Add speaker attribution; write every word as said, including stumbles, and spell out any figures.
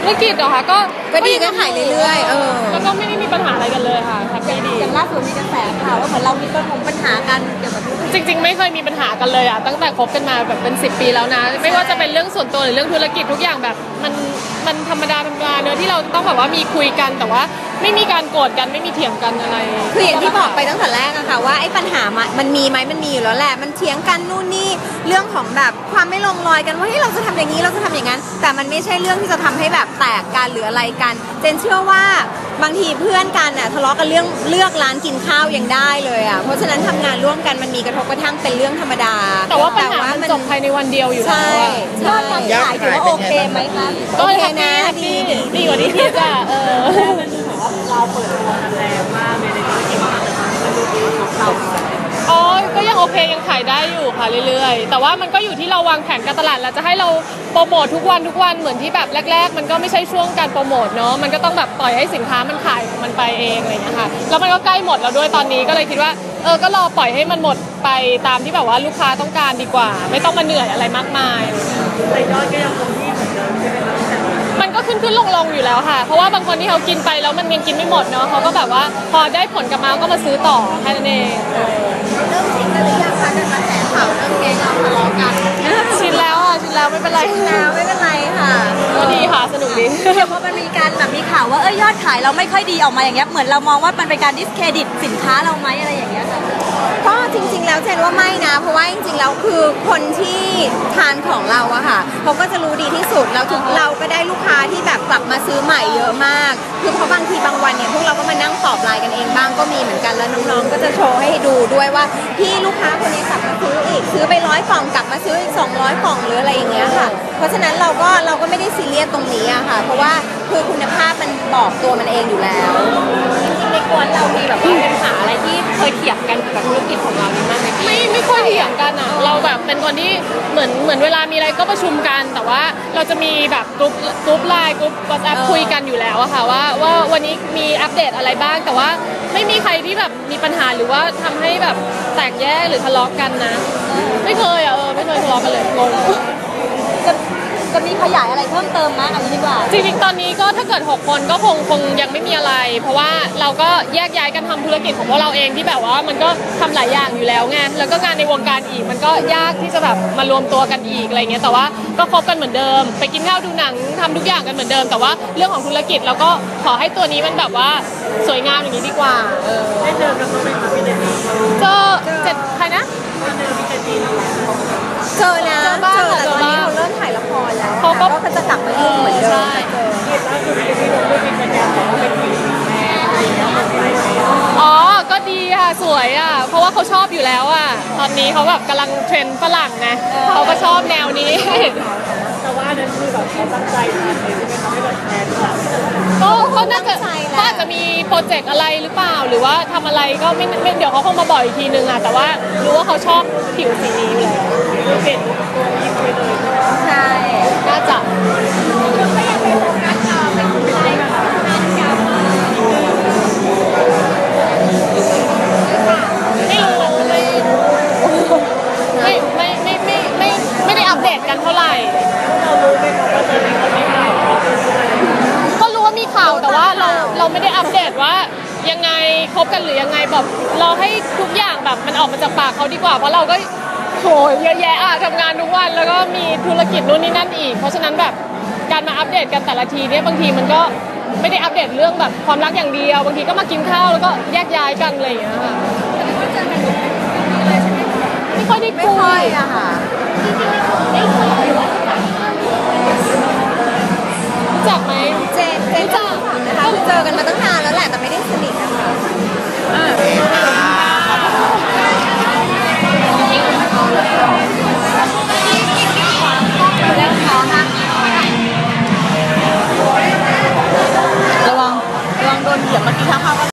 Speaker 1: ธุรกิจเหรอคะก็
Speaker 2: ก็ดีก็ขายเรื่อยๆเออ
Speaker 1: แล้วก็ไม่ได้มีปัญหาอะไรกันเลยค่ะแฮปปี้ดี
Speaker 2: อย่างล่าสุดมีกระแสข่าวว่าเหมือนเรามีปัญหากันเกี่ยวกับ
Speaker 1: จริงๆไม่เคยมีปัญหากันเลยอะตั้งแต่คบกันมาแบบเป็นสิบปีแล้วนะไม่ว่าจะเป็นเรื่องส่วนตัวหรือเรื่องธุรกิจทุกอย่างแบบมันมันธรรมดาธรรมดาเนอะที่เราต้องแบบว่ามีคุยกันแต่ว่าไม่มีการโกรธกันไม่มีเถียงกันอะไร
Speaker 2: คืออย่างที่บอกไปตั้งแต่แรกอะค่ะว่าไอ้ปัญหามันมีไหมมันมีอยู่แล้วแหละมันเถียงกันนู่นนี่เรื่องของแบบความไม่ลงรอยกันว่าเฮ้ยเราจะทำอย่างนี้เราจะทำอย่างนั้นแต่มันไม่ใช่เรื่องที่จะทำให้แบบแตกกันหรืออะไรกันเจนเชื่อว่าบางทีเพื่อนกันอะทะเลาะกันเรื่องเลือกร้านกินข้าวยังได้เลยอะเพราะฉะนั้นทำงานร่วมกันมันมีกระทบกระทั่งเป็นเรื่องธรรมดา
Speaker 1: แต่ว่าปัญหามันจบภายในวันเดียวอยู่แล้วอะ
Speaker 2: ยอดขายถือว่าโอเคไหมคะ
Speaker 1: โอเคนะดีดีกว่าที่คิดอะเออ
Speaker 3: เราเปิดตัวกันแรงมากในธุรกิจมาแต่มันดูดีของเรา
Speaker 1: อ๋อก็ยังโอเคยังขายได้อยู่ค่ะเรื่อยๆแต่ว่ามันก็อยู่ที่เราวางแผนการตลาดแล้วจะให้เราโปรโมททุกวันทุกวันเหมือนที่แบบแรกๆมันก็ไม่ใช่ช่วงการโปรโมทเนาะมันก็ต้องแบบปล่อยให้สินค้ามันขายมันไปเองอะไรอย่างเงี้ยค่ะแล้วมันก็ใกล้หมดแล้วด้วยตอนนี้ก็เลยคิดว่าเออก็รอปล่อยให้มันหมดไปตามที่แบบว่าลูกค้าต้องการดีกว่าไม่ต้องมาเหนื่อยอะไรมากมาย
Speaker 3: แต่ยอดก็ยังคงที่เหมือนเดิมใช่ไหมคะ
Speaker 1: มันก็ขึ้นขึ้นลงลงอยู่แล้วค่ะเพราะว่าบางคนที่เขากินไปแล้วมันยังกินไม่หมดเนาะเขาก็แบบว่าพอได้ผลกลับมาก็มาซื้อต่อแค่นั้นเอง
Speaker 2: เริ่มชินกันหรือยังคะกับกระแสข่าวเรื่องแกงเราทะเลาะกัน
Speaker 1: ชินแล้วอ่ะชินแล้วไม่เป็นไร
Speaker 2: แล้วไม่เป็นไรค่ะ
Speaker 1: ก็ดีค่ะสนุกดี
Speaker 2: เดี๋ยวพอมันมีการแบบมีข่าวว่าเอ้ยยอดขายเราไม่ค่อยดีออกมาอย่างเงี้ยเหมือนเรามองว่ามันเป็นการดิสเครดิตสินค้าเราไหมอะไรอย่างเงี้ยก็จริงๆแล้วเจนว่าไม่นะเพราะว่าจริงๆแล้วคือคนที่ทานของเราอะค่ะเขาก็จะรู้ดีที่สุดแล้วทุกเราก็ได้ลูกค้าที่แบบกลับมาซื้อใหม่เยอะมากคือเพราะบางทีบางวันเนี่ยพวกเราก็มานั่งตอบไลน์กันเองบ้างก็มีเหมือนกันแล้วน้องๆก็จะโชว์ให้ดูด้วยว่าพี่ลูกค้าคนนี้กลับมาซื้ออีกซื้อไปร้อยกล่องกลับมาซื้ออีกสองร้อยกล่องหรืออะไรอย่างเงี้ยค่ะเพราะฉะนั้นเราก็เราก็ไม่ได้ซีเรียสตรงนี้อะค่ะเพราะว่าคือคุณภาพมันบอกตัวมันเองอยู่แล้ว
Speaker 1: จริงๆในกวนเรามีแบบว่าปัญหาอะไรที่เคยเถียงกันกับธุรกิจของเรามีบ้างไหมไม่ไม่ค่อยเถียงกันอ่ะเราแบบเป็นคนที่เหมือนเหมือนเวลามีอะไรก็ประชุมกันแต่ว่าเราจะมีแบบกลุ่มกลุ่มไลน์กลุ่มวอทแอปคุยกันอยู่แล้วอะค่ะว่าว่าวันนี้มีอัปเดตอะไรบ้างแต่ว่าไม่มีใครที่แบบมีปัญหาหรือว่าทำให้แบบแตกแยกหรือทะเลาะกันนะไม่เคยอ่ะเออไม่เคยทะเลาะกันเลยงง
Speaker 2: จะจะมีขยายอะไรเพิ่มเติมมั้ยอันนี้ดีกว่า
Speaker 1: จริงๆตอนนี้ก็ถ้าเกิดหกคนก็คงคงยังไม่มีอะไรเพราะว่าเราก็แยกย้ายกันทำธุรกิจของพวกเราเองที่แบบว่ามันก็ทำหลายอย่างอยู่แล้วไงแล้วก็งานในวงการอีกมันก็ยากที่จะแบบมารวมตัวกันอีกอะไรเงี้ยแต่ว่าก็คบกันเหมือนเดิมไปกินข้าวดูหนังทำทุกอย่างกันเหมือนเดิมแต่ว่าเรื่องของธุรกิจเราก็ขอให้ตัวนี้มันแบบว่าสวยงามอย่างนี้ดีกว่าเออ
Speaker 3: ได้เจอกันบ้างไหมคะพี่เจนนี่
Speaker 1: เจอเจ็ดใครนะ
Speaker 3: เจอพี่เจนนี่
Speaker 2: เจอนะเจอบ้างแต่ตอนนี้เราเริ่มถ่ายละครแล้วเขาก็จะกลับมายุ่งเหมือนเดิม
Speaker 3: เหตุล่าสุดที่ลงด้วยเป็นการบอกว่าเป็นผู้หญิงแม่อะไรอย่างเงี้ยมันไปไหม
Speaker 1: อ๋อก็ดีค่ะสวยอ่ะเพราะว่าเขาชอบอยู่แล้วอ่ะตอนนี้เขาแบบกำลังเทรนด์ฝรั่งไงเขาก็ชอบแนวนี้
Speaker 3: แต่ว่านั้นคือแบบเขาตั้งใจทำเลยใช่ไหมคะไม่แบบแทนแบบ
Speaker 1: ก็ก็น่าจะก็อาจจะมีโปรเจกต์อะไรหรือเปล่าหรือว่าทำอะไรก็ไม่ไม่เดี๋ยวเขาคงมาบอกอีกทีนึงอ่ะแต่ว่ารู้ว่าเขาชอบผิวสีนี้อยู่แล้ว
Speaker 3: เห็นตัวนี้ไปเลย
Speaker 2: ใช่
Speaker 1: น่าจะ
Speaker 2: ก็ยังเป็นโฟกัสต่อเป็นอะไรแบบนั้นกัน
Speaker 1: ไม่รู้ไม่ไม่ไม่ไม่ไม่ไม่ได้อัปเดตกันเท่าไหร่
Speaker 3: เรารู้ไหมคะว่าตอนนี้เขาไม่ได้
Speaker 1: ก็รู้ว่ามีข่าวแต่ว่าเราเราไม่ได้อัปเดตว่ายังไงคบกันหรือยังไงแบบเราให้ทุกอย่างแบบมันออกมาจากปากเขาดีกว่าเพราะเราก็โหเยอะแยะอะทำงานทุกวันแล้วก็มีธุรกิจนู่นนี่นั่นอีกเพราะฉะนั้นแบบการมาอัปเดตกันแต่ละทีเนี่ยบางทีมันก็ไม่ได้อัปเดตเรื่องแบบความรักอย่างเดียวบางทีก็มากินข้าวแล้วก็แยกย้ายกันอะไรอย่างเงี้ยค่ะ